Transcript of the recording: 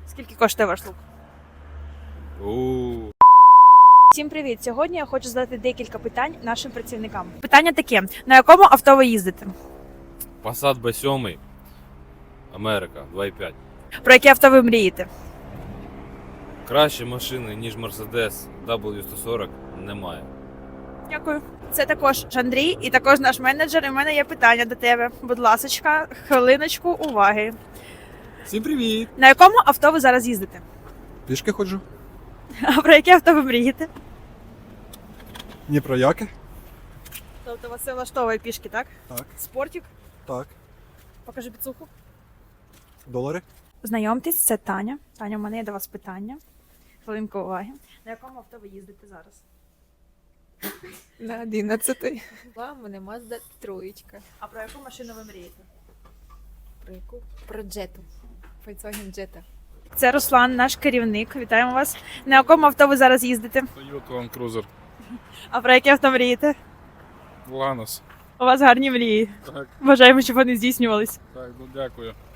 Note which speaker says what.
Speaker 1: Скільки коштує ваш лук? Всім привіт! Сьогодні я хочу задати декілька питань нашим працівникам. Питання таке: на якому авто ви їздите?
Speaker 2: Passat B7, Америка, 2.5.
Speaker 1: Про яке авто ви мрієте?
Speaker 2: Кращі машини, ніж Mercedes W140, немає.
Speaker 1: Дякую. Це також Андрій і також наш менеджер. І в мене є питання до тебе. Будь ласочка, хвилиночку уваги.
Speaker 3: Всім привіт!
Speaker 1: На якому авто ви зараз їздите?
Speaker 3: Пішки ходжу.
Speaker 1: А про яке авто ви мрієте?
Speaker 3: Ні про яке?
Speaker 1: Тобто вас це влаштовує пішки, так?
Speaker 3: Так,
Speaker 1: Спортик?
Speaker 3: так.
Speaker 1: Покажи підсуху.
Speaker 3: Долари.
Speaker 1: Знайомтесь, це Таня. Таня, у мене є до вас питання. Хвилинку уваги. На якому авто ви їздите зараз?
Speaker 4: На 11-й. У мене Mazda троєчка.
Speaker 1: А про яку машину ви мрієте?
Speaker 4: Про яку? Про Джету. Volkswagen Jetta.
Speaker 1: Це Руслан, наш керівник. Вітаємо вас. На якому авто ви зараз їздите?
Speaker 5: Toyota Land Cruiser.
Speaker 1: А про яке авто мрієте?
Speaker 5: Lanos.
Speaker 1: У вас гарні мрії.
Speaker 5: Так,
Speaker 1: Бажаємо, щоб вони здійснювались.
Speaker 5: так, ну дякую.